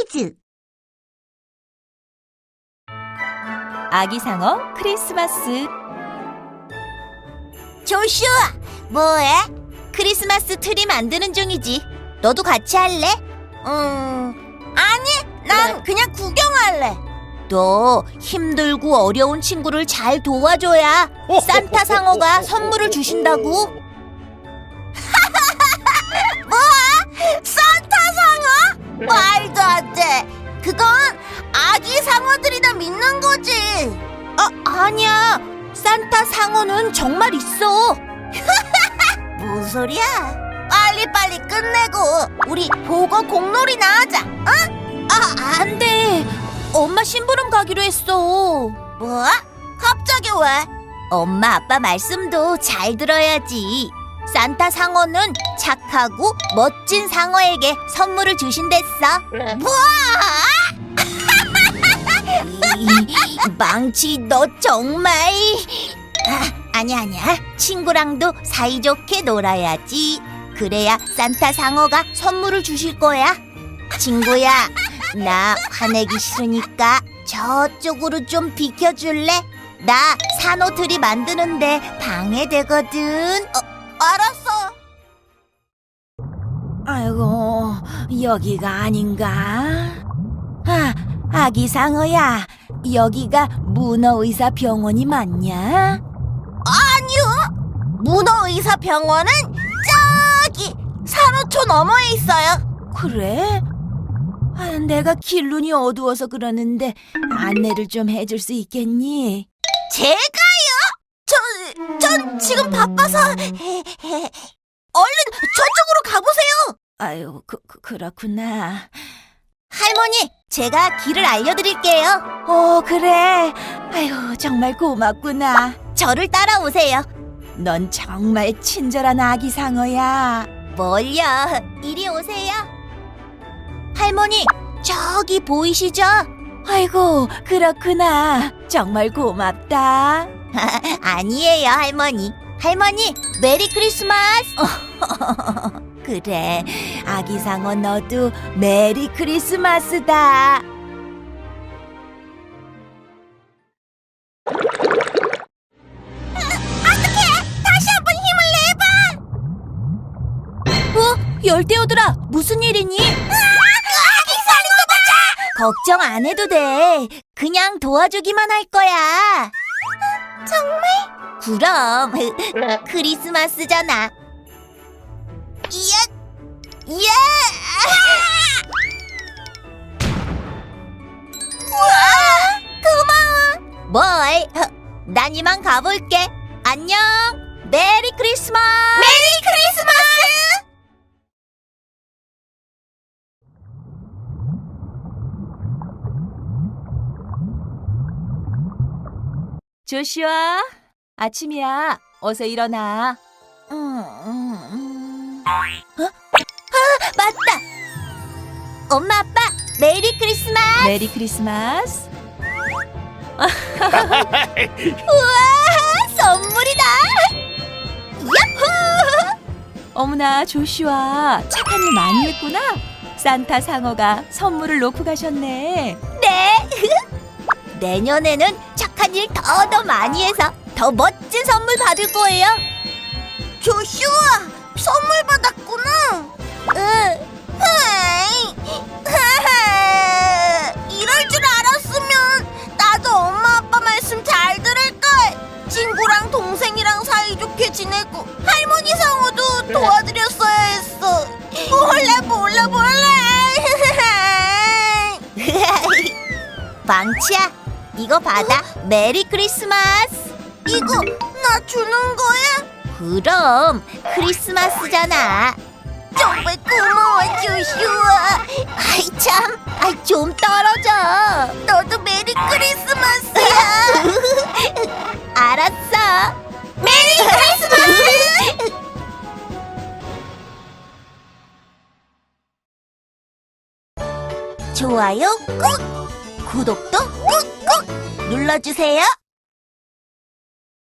퀴즈! 아기상어 크리스마스. 조슈아, 뭐해? 크리스마스 트리 만드는 중이지. 너도 같이 할래? 아니, 난 그냥 구경할래. 너 힘들고 어려운 친구를 잘 도와줘야 산타 상어가 선물을 주신다고. 뭐? 산타 상어? 말도 안 돼. 그건 아기 상어들이나 믿는 거지. 아니야. 산타 상어는 정말 있어. 무슨 소리야? 빨리빨리 끝내고 우리 보고 공놀이나 하자. 안 돼. 엄마 심부름 가기로 했어. 뭐? 갑자기 왜? 엄마 아빠 말씀도 잘 들어야지. 산타 상어는 착하고 멋진 상어에게 선물을 주신댔어. 뭐? 망치, 너 정말. 아니야. 친구랑도 사이좋게 놀아야지. 그래야 산타 상어가 선물을 주실 거야. 친구야, 나 화내기 싫으니까 저쪽으로 좀 비켜줄래? 나 산호트리 만드는데 방해되거든. 알았어. 아이고, 여기가 아닌가? 아기 상어야, 여기가 문어의사 병원이 맞냐? 아니요. 문어의사 병원은 저기 산호초 너머에 있어요. 그래? 내가 길눈이 어두워서 그러는데 안내를 좀 해줄 수 있겠니? 제가요? 전 지금 바빠서. 얼른 저쪽으로 가보세요. 아유, 그렇구나. 할머니, 제가 길을 알려드릴게요. 그래. 아유, 정말 고맙구나. 저를 따라오세요. 넌 정말 친절한 아기 상어야. 뭘요? 이리 오세요. 할머니, 저기 보이시죠? 아이고, 그렇구나. 정말 고맙다. 아니에요, 할머니. 할머니, 메리 크리스마스. 그래, 아기 상어 너도 메리 크리스마스다. 어떡해! 다시 한번 힘을 내봐! 열대어들아, 무슨 일이니? 아기 상어! 걱정 안 해도 돼. 그냥 도와주기만 할 거야. 정말? 그럼 크리스마스잖아. 예! 우와! 고마워. 뭘? 난 이만 가볼게. 안녕. 메리 크리스마스. 메리 크리스마스. 조슈아, 아침이야. 어서 일어나. 맞다. 엄마, 아빠, 메리 크리스마스. 메리 크리스마스. 우와, 선물이다. 야호! 어머나, 조슈아, 착한 일 많이 했구나. 산타 상어가 선물을 놓고 가셨네. 네. 내년에는 착한 일 더 많이 해서 더 멋진 선물 받을 거예요. 조슈아, 선물 받았구나. 응. 이럴 줄 알았으면 나도 엄마 아빠 말씀 잘 들을걸. 친구랑 동생이랑 사이좋게 지내고 할머니 상어도 도와드렸어야 했어. 몰래. 망치야, 이거 받아. 메리 크리스마스. 이거 나 주는 거야? 그럼 크리스마스잖아. 정말 고마워, 조슈아. 아이 참, 좀 떨어져. 너도 메리 크리스마스야. 알았어. 메리 크리스마스. 좋아요 꾹, 구독도 꾹꾹 눌러주세요.